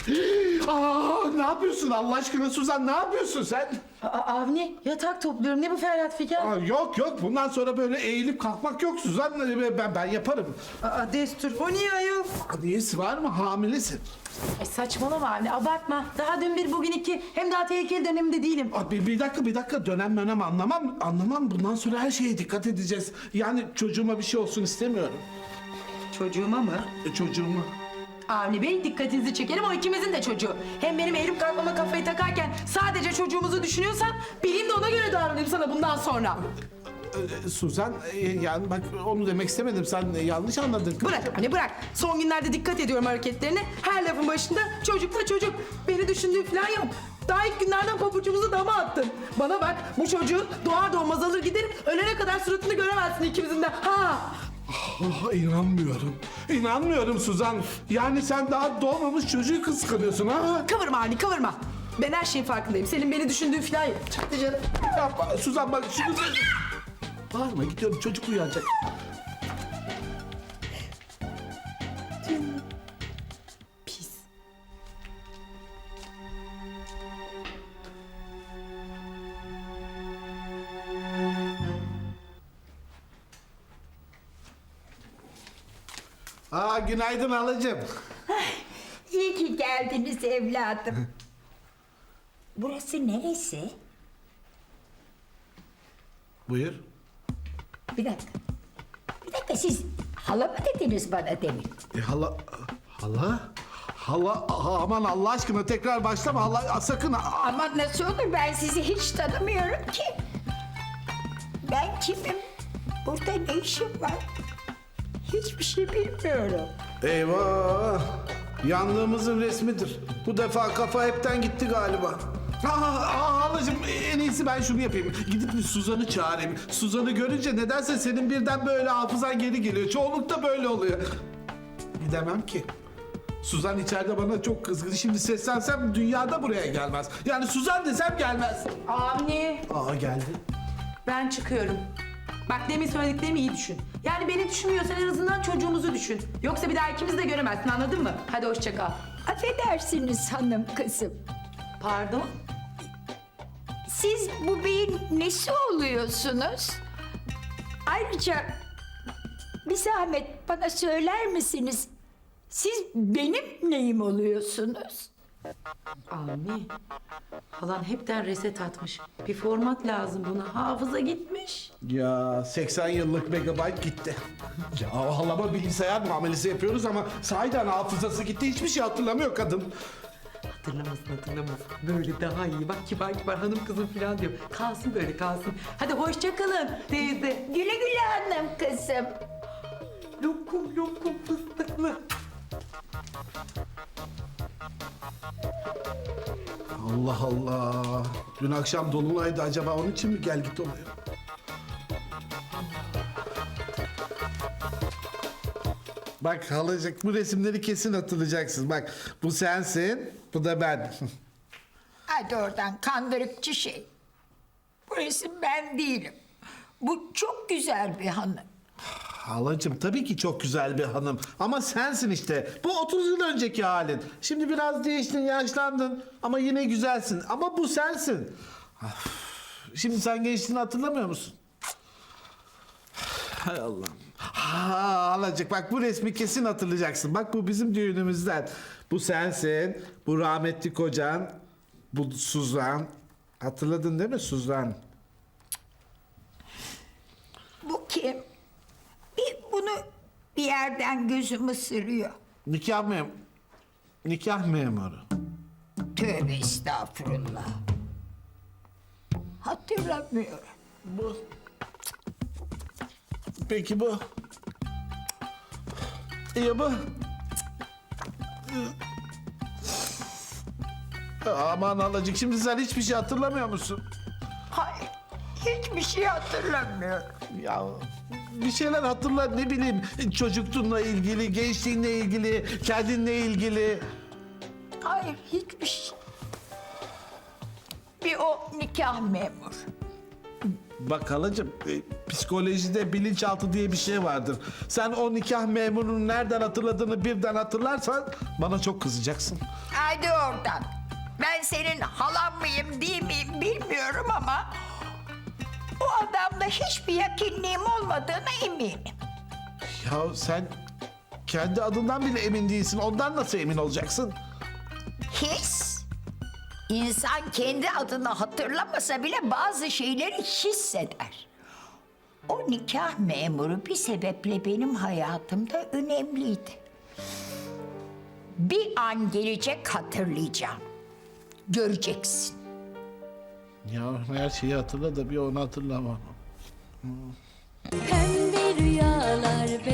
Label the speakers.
Speaker 1: Ne yapıyorsun Allah aşkına Suzan, ne yapıyorsun sen?
Speaker 2: Avni yatak topluyorum. Ne bu Ferhat Figen?
Speaker 1: Yok bundan sonra böyle eğilip kalkmak yok Suzan, ben yaparım.
Speaker 2: Destur. O niye ayol?
Speaker 1: Niyesi var mı, hamilesin?
Speaker 2: Ay saçmalama Avni, abartma. Daha dün bir bugün iki. Hem daha tehlikeli döneminde değilim.
Speaker 1: Bir dakika, dönem anlamam. Bundan sonra her şeye dikkat edeceğiz. Yani çocuğuma bir şey olsun istemiyorum.
Speaker 2: Çocuğuma mı?
Speaker 1: Çocuğuma.
Speaker 2: Avni Bey, dikkatinizi çekerim, o ikimizin de çocuğu. Hem benim eğilip kalkmama kafayı takarken sadece çocuğumuzu düşünüyorsan bileyim de ona göre davranayım sana bundan sonra.
Speaker 1: Suzan, yani bak onu demek istemedim. Sen yanlış anladın.
Speaker 2: Bırak Avni, bırak. Son günlerde dikkat ediyorum hareketlerine. Her lafın başında çocuk da çocuk. Beni düşündüğün falan yok. Daha ilk günlerden pabucumuzu dama attın. Bana bak, bu çocuğu doğar doğmaz alır giderim. Ölene kadar suratını göremezsin ikimizin de. Ha!
Speaker 1: İnanmıyorum Suzan. Yani sen daha doğmamış çocuğu kıskanıyorsun ha?
Speaker 2: Kıvırma Avni, kıvırma. Ben her şeyin farkındayım. Senin beni düşündüğün falan yok. Çaktı canım.
Speaker 1: Yapma Suzan, bak şunu... Bağırma, gidiyorum, çocuk uyanacak.
Speaker 2: Pis.
Speaker 1: Günaydın halacığım.
Speaker 3: İyi ki geldiniz evladım. Burası neresi?
Speaker 1: Buyur.
Speaker 3: Bir dakika. Bir dakika, siz hala mı dediniz bana demin?
Speaker 1: Hala, aman Allah aşkına tekrar başlama hala, sakın.
Speaker 3: Ama nasıl olur, ben sizi hiç tanımıyorum ki. Ben kimim? Burada ne işim var? Hiçbir şey bilmiyorum.
Speaker 1: Eyvah! Yandığımızın resmidir. Bu defa kafa hepten gitti galiba. Halacığım, en iyisi ben şunu yapayım. Gidip bir Suzan'ı çağırayım. Suzan'ı görünce nedense senin birden böyle hafızan geri geliyor. Çoğunlukta böyle oluyor. Gidemem ki. Suzan içeride bana çok kızgın. Şimdi seslensem dünyada buraya gelmez. Yani Suzan desem gelmez.
Speaker 2: Avni,
Speaker 1: Geldi.
Speaker 2: ben çıkıyorum. Bak, demin söylediklerimi iyi düşün. Yani beni düşünmüyorsan en azından çocuğumuzu düşün. Yoksa bir daha ikimizi de göremezsin, anladın mı? Hadi hoşça kal.
Speaker 3: Affedersiniz hanım kızım.
Speaker 2: Pardon?
Speaker 3: Siz bu beyin nesi oluyorsunuz? Ayrıca bir zahmet bana söyler misiniz? Siz benim neyim oluyorsunuz?
Speaker 2: Avni, halan hepten reset atmış. Bir format lazım buna. Hafıza gitmiş.
Speaker 1: Ya 80 yıllık megabayt gitti. Ya halama bilgisayar muamelesi yapıyoruz ama sahiden hafızası gitti. Hiçbir şey hatırlamıyor kadın.
Speaker 2: Hatırlamasın. Böyle daha iyi. Bak, kibar hanım kızım falan diyor. Kalsın böyle, kalsın. Hadi hoşça kalın teyze.
Speaker 3: Güle güle hanım kızım.
Speaker 2: Lokum fıstıklı.
Speaker 1: Allah Allah. Dün akşam dolunaydı, acaba onun için mi gel git oluyor? Bak halacık, bu resimleri kesin hatırlayacaksın. Bak, bu sensin, bu da ben.
Speaker 3: Hadi oradan kandırıkçı şey. Bu resim ben değilim. Bu çok güzel bir hanım.
Speaker 1: Halacığım, tabii ki çok güzel bir hanım. Ama sensin işte. Bu 30 yıl önceki halin. Şimdi biraz değiştin, yaşlandın. Ama yine güzelsin. Ama bu sensin. Şimdi sen gençliğini hatırlamıyor musun? Hay Allah'ım. Halacık, bak bu resmi kesin hatırlayacaksın. Bak, bu bizim düğünümüzden. Bu sensin. Bu rahmetli kocan. Bu Suzan. Hatırladın değil mi Suzan?
Speaker 3: Bu kim? Bunu bir yerden gözüm ısırıyor.
Speaker 1: Nikah memuru.
Speaker 3: Tövbe estağfurullah. Hatırlamıyorum.
Speaker 1: Bu. Peki bu. Ya bu. Aman halacık, şimdi sen hiçbir şey hatırlamıyor musun?
Speaker 3: Hayır, hiçbir şey hatırlamıyorum.
Speaker 1: Ya bir şeyler hatırla, ne bileyim, çocukluğunla ilgili, gençliğinle ilgili, kendinle ilgili.
Speaker 3: Hayır, hiçbir şey. Bir o nikah memur.
Speaker 1: Bak halacığım, psikolojide bilinçaltı diye bir şey vardır. Sen o nikah memurunun nereden hatırladığını birden hatırlarsan bana çok kızacaksın.
Speaker 3: Haydi oradan. Ben senin halan mıyım değil miyim bilmiyorum ama... ...o adamla hiçbir yakınlığım olmadığına eminim.
Speaker 1: Ya sen kendi adından bile emin değilsin. Ondan nasıl emin olacaksın?
Speaker 3: His. İnsan kendi adını hatırlamasa bile bazı şeyleri hisseder. O nikah memuru bir sebeple benim hayatımda önemliydi. Bir an gelecek hatırlayacağım. Göreceksin.
Speaker 1: Ya her şeyi hatırla da bir onu hatırlamam.
Speaker 4: Pembe rüyalar,